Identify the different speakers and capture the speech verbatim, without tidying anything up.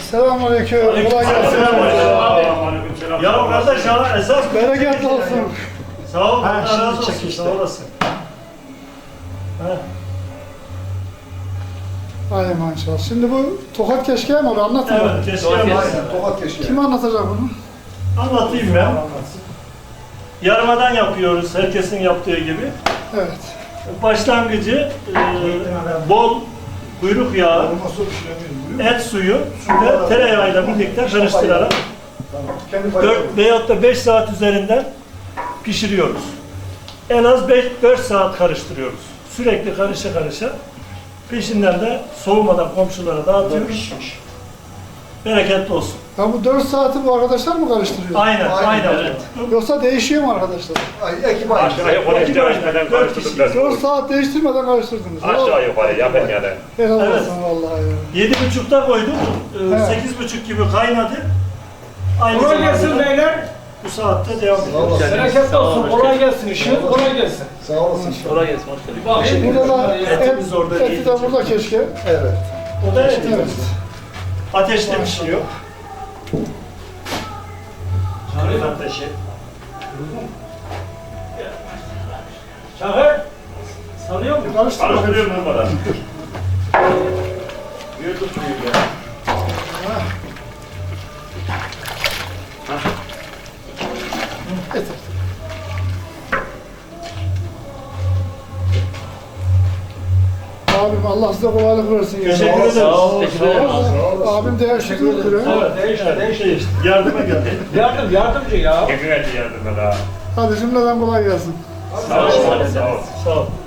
Speaker 1: Selamünaleyküm. Kolay gelsin.
Speaker 2: Ya kardeş ya esas
Speaker 1: Bereket olsun.
Speaker 2: Sağ ol,
Speaker 1: Ha,
Speaker 2: Allah
Speaker 1: şimdi
Speaker 2: razı olsun,
Speaker 1: çek işte.
Speaker 2: sağ olasın. Ha.
Speaker 1: Ay maşallah. Şimdi bu tokat keşke mi abi? Anlatın bana.
Speaker 2: Evet, keşke
Speaker 3: Aynen,
Speaker 2: yapmasın.
Speaker 3: tokat keşke.
Speaker 1: Kim anlatacak bunu?
Speaker 2: Anlatayım ben. Yarmadan yapıyoruz, herkesin yaptığı gibi.
Speaker 1: Evet.
Speaker 2: Başlangıcı e, bol kuyruk yağı,
Speaker 3: Olmazsa pişiremiyorum.
Speaker 2: et suyu ve tereyağıyla birlikte karıştırarak
Speaker 3: Tamam. Kendi payı.
Speaker 2: dört veyahut da beş saat üzerinden pişiriyoruz. En az beş dört saat karıştırıyoruz. Sürekli karışa karışa. Peşinden de soğumadan komşulara dağıtıyoruz. Bereketli olsun.
Speaker 1: Ya bu dört saati bu arkadaşlar mı karıştırıyor?
Speaker 2: Aynen,
Speaker 3: Aynen,
Speaker 2: aynen.
Speaker 3: evet.
Speaker 1: Yoksa değişiyor mu arkadaşlar?
Speaker 3: Ay, ekip aynı.
Speaker 4: Aşağı yukarı
Speaker 2: İki
Speaker 4: değiştirmeden
Speaker 2: dört
Speaker 4: karıştırdık
Speaker 1: dört
Speaker 4: biraz.
Speaker 1: saat değiştirmeden karıştırdınız.
Speaker 4: Aşağı yukarı yakın yani.
Speaker 1: Helal
Speaker 2: Evet.
Speaker 1: olsun vallahi ya.
Speaker 2: Yedi buçukta koyduk. Ee,
Speaker 1: He.
Speaker 2: Sekiz buçuk gibi kaynadı. Aynı
Speaker 5: Kolay
Speaker 2: zamanda
Speaker 5: gelsin
Speaker 2: da
Speaker 5: beyler.
Speaker 2: bu saatte devam
Speaker 3: Sağ
Speaker 2: ediyoruz.
Speaker 3: olasın.
Speaker 5: Bereketli olsun. Kolay gelsin. İşiniz kolay gelsin.
Speaker 3: Sağ olasın.
Speaker 5: Kolay gelsin. Hoş geldin. Bakayım.
Speaker 1: Burada da et,
Speaker 2: Etimiz orada
Speaker 1: eti
Speaker 2: değil.
Speaker 1: de burada keşke.
Speaker 3: Evet.
Speaker 2: O da
Speaker 1: Evet.
Speaker 2: ateşte pişiyor. Kırık ateşi.
Speaker 5: Çağır. Sanıyor musun?
Speaker 1: Karıştır bakayım.
Speaker 4: Karıştırıyorum durmadan. Bir tutmuyor ya.
Speaker 1: Et. Abim Allah size kolaylık versin. ya.
Speaker 2: Teşekkür ederiz.
Speaker 5: Sağ ol.
Speaker 1: Abim de yaşlı duruyor.
Speaker 2: Evet,
Speaker 5: Değişti,
Speaker 2: evet,
Speaker 5: değişti.
Speaker 2: değişti. Yardıma geldi.
Speaker 5: Yardım, yardımcı ya.
Speaker 4: Kim geldi yardıma daha?
Speaker 1: Hadi cümleden kolay gelsin.
Speaker 4: Sağ ol. Sağ ol.
Speaker 2: Sağ ol.